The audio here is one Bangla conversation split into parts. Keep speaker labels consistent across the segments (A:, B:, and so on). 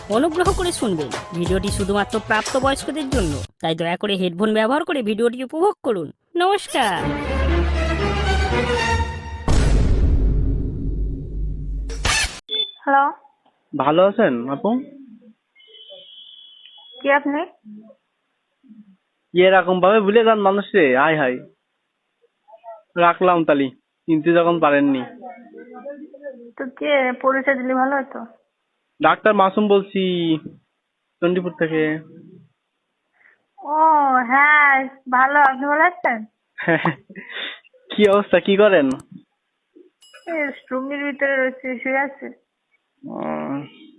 A: অনুগ্রহ করে শুনবেন, ভিডিওটি শুধুমাত্র প্রাপ্তবয়স্কদের জন্য, তাই দয়া করে হেডফোন ব্যবহার করে ভিডিওটি উপভোগ করুন। নমস্কার।
B: হ্যালো,
C: ভালো আছেন আপু?
B: কে আপনি?
C: এরকম ভাবে ভুলে যান মানুষ রে, হাই হাই। রাখলাম তালি, চিনতে যখন পারেননি।
B: তো কে পরিচয় দিলে ভালো হতো।
C: ডাক্তার মাসুম বলছি, চণ্ডীপুর থেকে।
B: ও হ্যাঁ, ভালো। আপনি ভালো আছেন?
C: কি অবস্থা, কি করেন?
B: এই রুমের ভিতরে রয়েছে, শুয়ে আছে।
C: উম,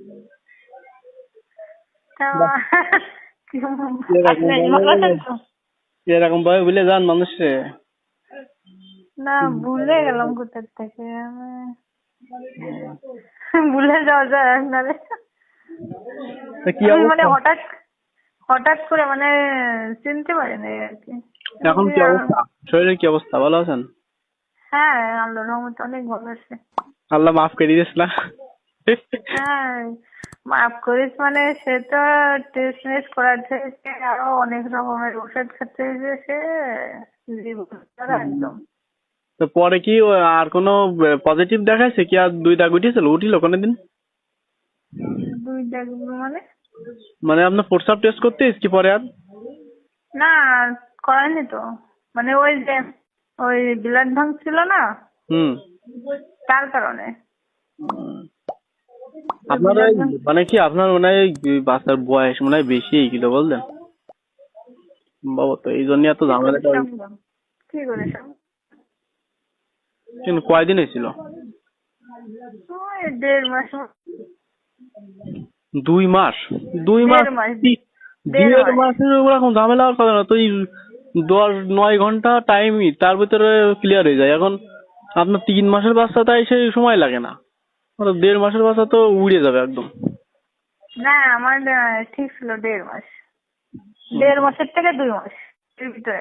B: তা
C: বাহ,
B: আপনি ভালো আছেন তো?
C: এরকম ভাবে ভুলে যান মানুষ রে।
B: না, ভুলে গেলাম কোথা থেকে ভুলে যাওয়া যায় আপনারে।
C: তা কি
B: আমি মানে
C: অবস্থা
B: হঠাৎ হঠাৎ করে মানে চিনতে পারিনি আর কি।
C: এখন? কি অবস্থা, শরীরের কি অবস্থা, ভালো আছেন?
B: হ্যাঁ, আল্লাহর রহমতে অনেক ভালো আছে।
C: আল্লাহ মাফ করে দিস না।
B: হ্যাঁ, মাফ করিস মানে সে তো টেস্ট মেস্ট করাচ্ছে, সে আরো অনেক রকমের ওষুধ খাচ্ছে, যে সে জীবন একদম।
C: তো পরে কি আর কোনো পজিটিভ দেখাইছে কি? আর দুই দাগ উঠিল কোনোদিন?
B: দুই দেখ মানে?
C: মানে আপনার প্রস্রাব টেস্ট করতে কি পরে আর?
B: না, করায়নি তো। মানে ওই যে ওই ব্লাড ভাঙছিল না,
C: হুম।
B: তার কারণে।
C: আপনার
B: ব্লাড
C: ওই
B: ভাঙ
C: মানে কি আপনার মনে হয় ওই বাচ্চার বয়স মনে হয় বেশি গেল বললেন বাবা, তো এই জন্য এত
B: কি করে
C: ঝামেলাটা।
B: সম্ভব? কি করে সম্ভব?
C: কিন্তু কয়দিন হয়েছিল?
B: ওই 1.5 মাস
C: 2 মাস? 2 মাস?
B: 1.5 মাস
C: কি-
B: 1.5 মাস।
C: 1.5 মাসের ওরকম ঝামেলা আর করে না তো? এই 9 ঘন্টা টাইমই তার ভিতরে ক্লিয়ার হয়ে যায়। এখন আপনার 3 মাসের বাচ্চা, তাই সেই সময় লাগে না। 1.5 মাসের বাচ্চা তো উড়ে যাবে একদম।
B: না, আমার ঠিক ছিল 1.5 মাস। 1.5 মাসের থেকে 2 মাস এর ভিতরে।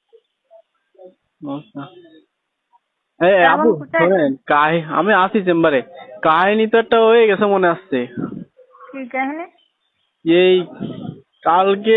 C: আচ্ছা।
B: তা এখন
C: আপু
B: কোথায় আছেন?
C: শোনেন, আমি আছি চেম্বারে। কাহিনী তো একটা হয়ে গেছে মনে আসছে।
B: কি কাহিনী?
C: এই কালকে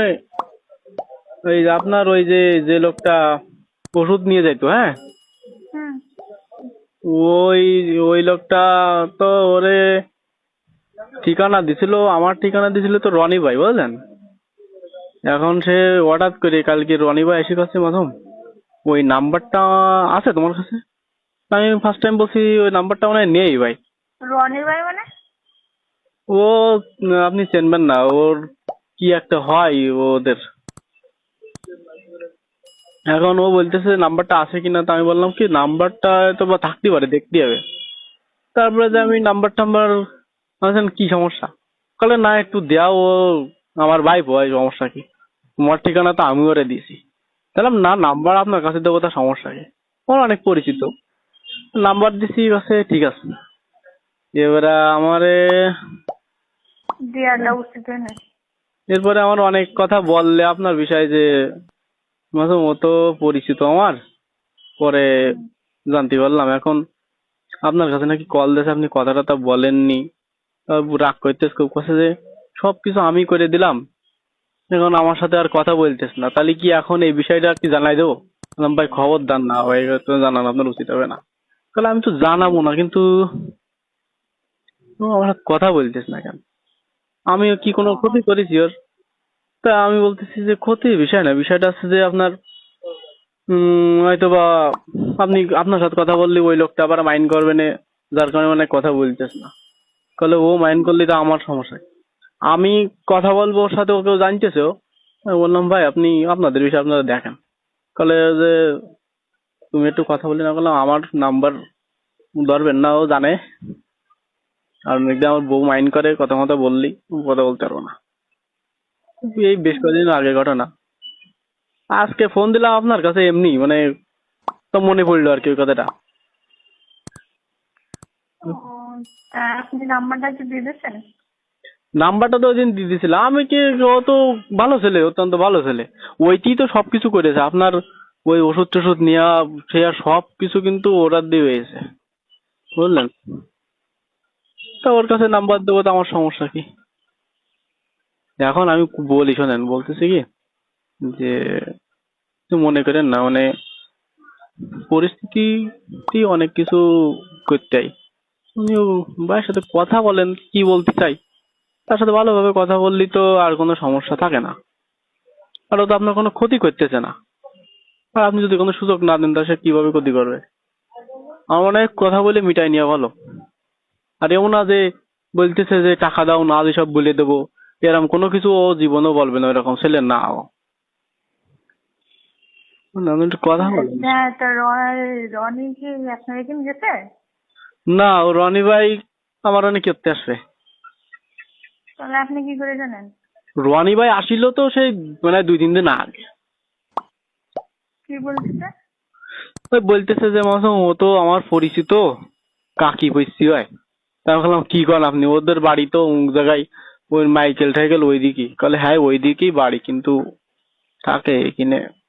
C: ওই যে আপনার ওই যে যে লোকটা ওষুধ নিয়ে যাইতো, হ্যাঁ,
B: হুম।
C: ওই ওই লোকটা তো ওরে ঠিকানা দিছিল, আমার ঠিকানা দিছিল তো রনি ভাই, বুঝলেন? এখন সে হঠাৎ করে কালকে রনি ভাই এসে কাছে, মাধব ওই নাম্বারটা আছে তোমার কাছে? আমি ফার্স্ট টাইম বলছি ওই নাম্বারটা মনে হয় নেই ভাই।
B: রনির ভাই মানে?
C: ও আপনি চেনবেন না, ওর কি একটা হয় ওদের। এখন ও বলতেছে নাম্বারটা আছে কিনা, তো আমি বললাম কি নাম্বারটা তো বা থাকতে পারে, দেখতে হবে। তারপরে যে আমি নাম্বার টাম্বার বলছেন কি সমস্যা, বলে না একটু দেও, ও আমার ভাই বয়, সমস্যা কি? তোমার ঠিকানা তো আমি ওরে দিয়েছি। তাহলে না, নাম্বার আপনার কাছে দেবো, তার সমস্যা কি? ওর অনেক পরিচিত, নাম্বার দিছি, কাছে ঠিক আছে। এবারে আমারে
B: দেয়াটা উচিত হয় না।
C: এরপরে আমার অনেক কথা বললে আপনার বিষয় যে মাসুম, ও তো পরিচিত আমার। পরে
B: হুম।
C: জানতে পারলাম এখন আপনার কাছে নাকি কল দিয়েছে, আপনি কথা টথা বলেননি। রাগ করতেছ খুব, কাছে যে সবকিছু আমি করে দিলাম, এখন আমার সাথে আর কথা বলতেছ না, তাহলে কি এখন এই বিষয়টা কি জানাই দেবো? বললাম, ভাই খবরদার না ভাই, তো জানানো আপনার উচিত হবে না। তাহলে আমি তো জানাবো না, কিন্তু ও আমার সাথে কথা বলতেছ না কেন? আমি কি কোনো
B: ও,
C: ক্ষতি করেছি ওর? তা আমি বলতেছি যে ক্ষতির বিষয় না, বিষয়টা হচ্ছে যে আপনার হয়তো বা আপনি আপনার সাথে কথা বললে ওই লোকটা আবার মাইন্ড করবে না, যার কারণে মানে কথা বলতেছ না। তাহলে ও মাইন্ড করলে তো আমার সমস্যা কি? আমি কথা বলবো ওর সাথে, ওকেও জানতেছেও। আমি বললাম ভাই আপনি আপনাদের বিষয় আপনারা দেখেন। তাহলে যে তুমি একটু কথা বলি না, বললাম আমার নাম্বার ধরবেন না, ও জানে। আর একদিন আমার বউ মাইন্ড করে, কথা মতো বললি কথা বলতে পারবো না। এই বেশ কদিন আগে ঘটনা। আজকে ফোন দিলাম আপনার কাছে এমনি মানে, তো মনে পড়লো আর কি ওই কথাটা।
B: ও, তা আপনি নাম্বারটা কি দিয়ে দিয়েছেন?
C: নাম্বারটা তো ওই দিন দিয়ে দিয়েছিলাম আমি। কি, ও তো ভালো ছেলে, অত্যন্ত ভালো ছেলে। ওইটি তো সবকিছু করেছে আপনার, ওই ওষুধ টষুধ নেওয়া, সে আর সবকিছু কিন্তু ওরা দিয়ে হয়েছে, বুঝলেন? তা ওর কাছে নাম্বার দেবো, তো আমার সমস্যা কি? এখন আমি বলি, শোনেন, বলতেছি কি যে কিছু মনে করেন না, মানে পরিস্থিতি অনেক কিছু করতে হয়। উনিও ভাইয়ের সাথে কথা বলেন, কি বলতে চাই তার সাথে ভালোভাবে কথা বললেই তো আর কোনো সমস্যা থাকে না। আর ও তো আপনার কোনো ক্ষতি করতেছে না। আর আপনি যদি কোনো সুযোগ না দেন তা সে কিভাবে ক্ষতি করবে? আমার মনে হয় কথা বলে মিটাই নেওয়া ভালো। আর এমন না যে বলতেছে যে টাকা দাও না সব বলে দেবো, এরকম কোনো কিছু ও জীবনও বলবে না, এরকম ছেলে না ও। না, আপনি একটু কথা বলেন।
B: আচ্ছা, তো রনি কি আপনার এখানে গেছে?
C: না, ও রনি ভাই আমার অনেক করতে আসবে।
B: তাহলে আপনি কি করে জানেন?
C: রনি ভাই আসিল তো সেই মানে 2-3 দিন আগে।
B: কি বলতেছে?
C: ওই বলতেছে যে মাসুম ও তো আমার পরিচিত কাকি পৈসি হয়। তা আমি বললাম কি করেন আপনি, ওদের বাড়ি তো অমুক জায়গায়, ওই মাইকেল টাইকেল ওইদিকে। বলে হ্যাঁ ওইদিকেই বাড়ি, কিন্তু থাকে এখানে